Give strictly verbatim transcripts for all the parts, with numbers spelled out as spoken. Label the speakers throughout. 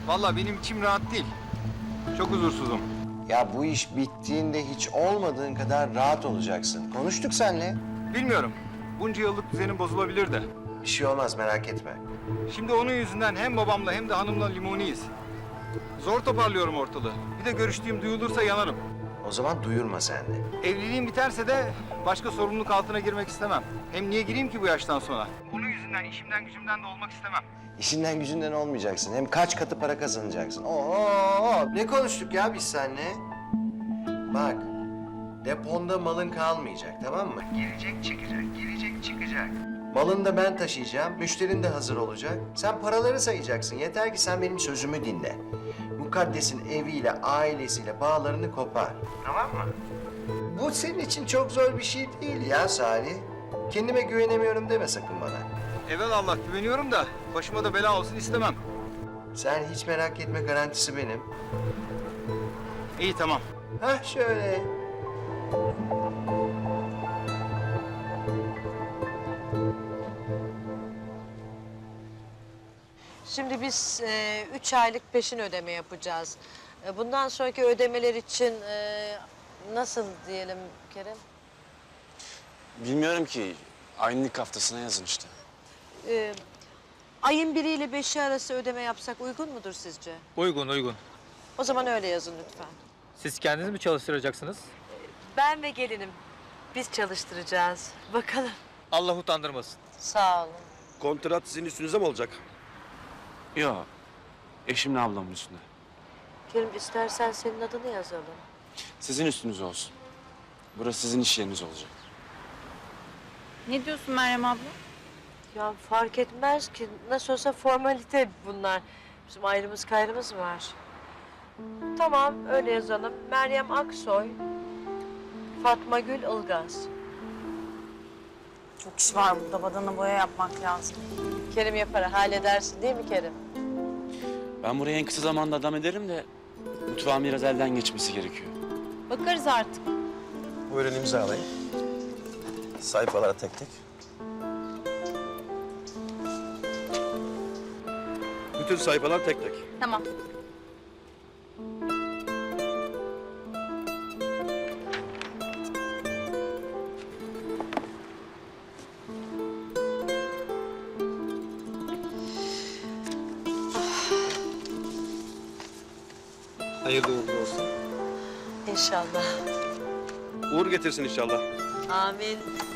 Speaker 1: Vallahi benim içim rahat değil. Çok huzursuzum.
Speaker 2: Ya bu iş bittiğinde hiç olmadığın kadar rahat olacaksın. Konuştuk seninle.
Speaker 1: Bilmiyorum. Bunca yıllık düzenim bozulabilir de.
Speaker 2: Bir şey olmaz, merak etme.
Speaker 1: Şimdi onun yüzünden hem babamla hem de hanımla limoniyiz. Zor toparlıyorum ortalığı. Bir de görüştüğüm duyulursa yanarım.
Speaker 2: O zaman duyurma sen de.
Speaker 1: Evliliğim biterse de başka sorumluluk altına girmek istemem. Hem niye gireyim ki bu yaştan sonra? Onun yüzünden işimden gücümden de olmak istemem.
Speaker 2: İşinden gücünden olmayacaksın. Hem kaç katı para kazanacaksın. Oo, ne konuştuk ya biz seninle? Bak, deponda malın kalmayacak, tamam mı? Gelecek çıkacak, gelecek çıkacak. Malını da ben taşıyacağım, müşterin de hazır olacak. Sen paraları sayacaksın, yeter ki sen benim sözümü dinle. Mukaddes'in eviyle, ailesiyle bağlarını kopar. Tamam mı? Bu senin için çok zor bir şey değil ya Salih. Kendime güvenemiyorum deme sakın bana.
Speaker 1: Evelallah güveniyorum da başıma da bela olsun istemem.
Speaker 2: Sen hiç merak etme, garantisi benim.
Speaker 1: İyi tamam.
Speaker 2: Hah şöyle.
Speaker 3: Şimdi biz e, üç aylık peşin ödeme yapacağız. E, bundan sonraki ödemeler için e, nasıl diyelim Kerem?
Speaker 4: Bilmiyorum ki. Aynılık haftasına yazın işte.
Speaker 3: E, ayın biriyle beşi arası ödeme yapsak uygun mudur sizce?
Speaker 5: Uygun, uygun.
Speaker 3: O zaman öyle yazın lütfen.
Speaker 5: Siz kendiniz mi çalıştıracaksınız?
Speaker 3: Ben ve gelinim. Biz çalıştıracağız. Bakalım.
Speaker 5: Allah utandırmasın.
Speaker 3: Sağ olun.
Speaker 6: Kontrat sizin üstünüze mi olacak?
Speaker 4: Yok. Eşimle ablamın üstüne.
Speaker 3: Kerim istersen senin adını yazalım.
Speaker 4: Sizin üstünüz olsun. Burası sizin iş yeriniz olacak.
Speaker 7: Ne diyorsun Meryem abla?
Speaker 3: Ya fark etmez ki. Nasıl olsa formalite bunlar. Bizim ayrımız gayrımız var. Tamam öyle yazalım. Meryem Aksoy, Fatma Gül Ilgaz.
Speaker 7: Çok iş var burada. Badana boya yapmak lazım.
Speaker 3: Kerim yapar, halledersin değil mi Kerim?
Speaker 4: Ben buraya en kısa zamanda adam ederim de mutfağın biraz elden geçmesi gerekiyor.
Speaker 7: Bakarız artık.
Speaker 6: Buyurun imzalayın. Sayfalara tek tek. Bütün sayfalar tek tek.
Speaker 7: Tamam.
Speaker 6: Hayırlı uğurlu olsun.
Speaker 3: İnşallah.
Speaker 6: Uğur getirsin inşallah.
Speaker 3: Amin.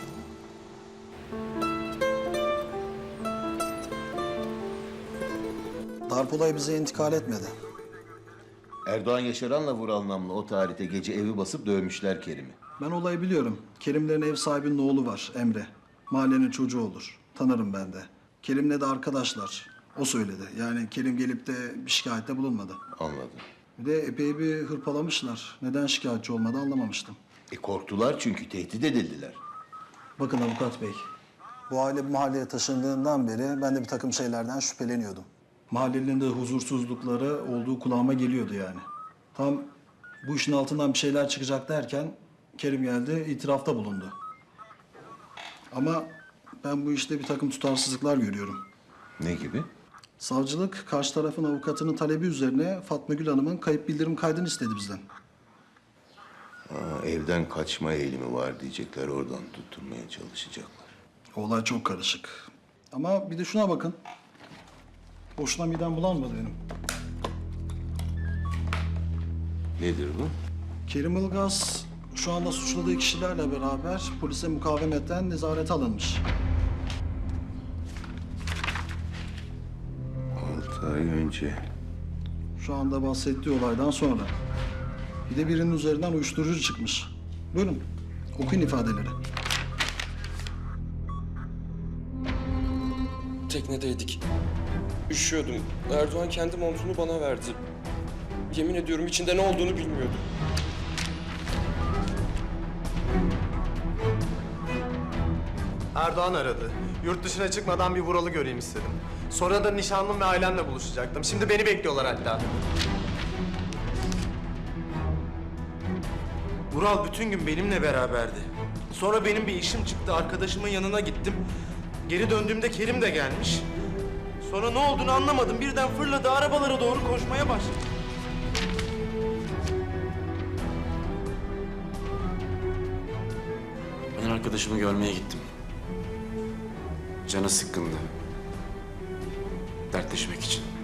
Speaker 8: Darp olayı bize intikal etmedi.
Speaker 9: Erdoğan Yaşaran'la Vural Namlı o tarihte gece evi basıp dövmüşler Kerim'i.
Speaker 8: Ben olayı biliyorum. Kerimlerin ev sahibinin oğlu var, Emre. Mahallenin çocuğu olur. Tanırım ben de. Kerim'le de arkadaşlar. O söyledi. Yani Kerim gelip de bir şikayette bulunmadı.
Speaker 9: Anladım.
Speaker 8: Bir de epey bir hırpalamışlar. Neden şikayetçi olmadı anlamamıştım.
Speaker 9: E korktular çünkü tehdit edildiler.
Speaker 8: Bakın avukat bey. Bu aile bu mahalleye taşındığından beri ben de bir takım şeylerden şüpheleniyordum. Mahallenin de huzursuzlukları olduğu kulağıma geliyordu yani. Tam bu işin altından bir şeyler çıkacak derken Kerim geldi, itirafta bulundu. Ama ben bu işte bir takım tutarsızlıklar görüyorum.
Speaker 9: Ne gibi?
Speaker 8: Savcılık karşı tarafın avukatının talebi üzerine Fatma Gül Hanım'ın kayıp bildirim kaydını istedi bizden.
Speaker 9: Aa, evden kaçma eğilimi var diyecekler, oradan tutturmaya çalışacaklar.
Speaker 8: Olay çok karışık. Ama bir de şuna bakın. Boşuna midem bulanmadı benim.
Speaker 9: Nedir bu?
Speaker 8: Kerim Ilgaz şu anda suçladığı kişilerle beraber polise mukavemetten nezarete alınmış.
Speaker 9: Altı ay önce.
Speaker 8: Şu anda bahsettiği olaydan sonra. Bir de birinin üzerinden uyuşturucu çıkmış. Buyurun, okuyun ifadeleri.
Speaker 10: Teknedeydik. Üşüyordum. Erdoğan kendi montunu bana verdi. Yemin ediyorum içinde ne olduğunu bilmiyordum.
Speaker 6: Erdoğan aradı. Yurt dışına çıkmadan bir Vural'ı göreyim istedim. Sonra da nişanlım ve ailemle buluşacaktım. Şimdi beni bekliyorlar hatta. Vural bütün gün benimle beraberdi. Sonra benim bir işim çıktı. Arkadaşımın yanına gittim. Geri döndüğümde Kerim de gelmiş.
Speaker 11: Sonra ne olduğunu anlamadım. Birden fırladı, arabalara doğru koşmaya başladı.
Speaker 4: Ben arkadaşımı görmeye gittim. Canı sıkkındı. Dertleşmek için.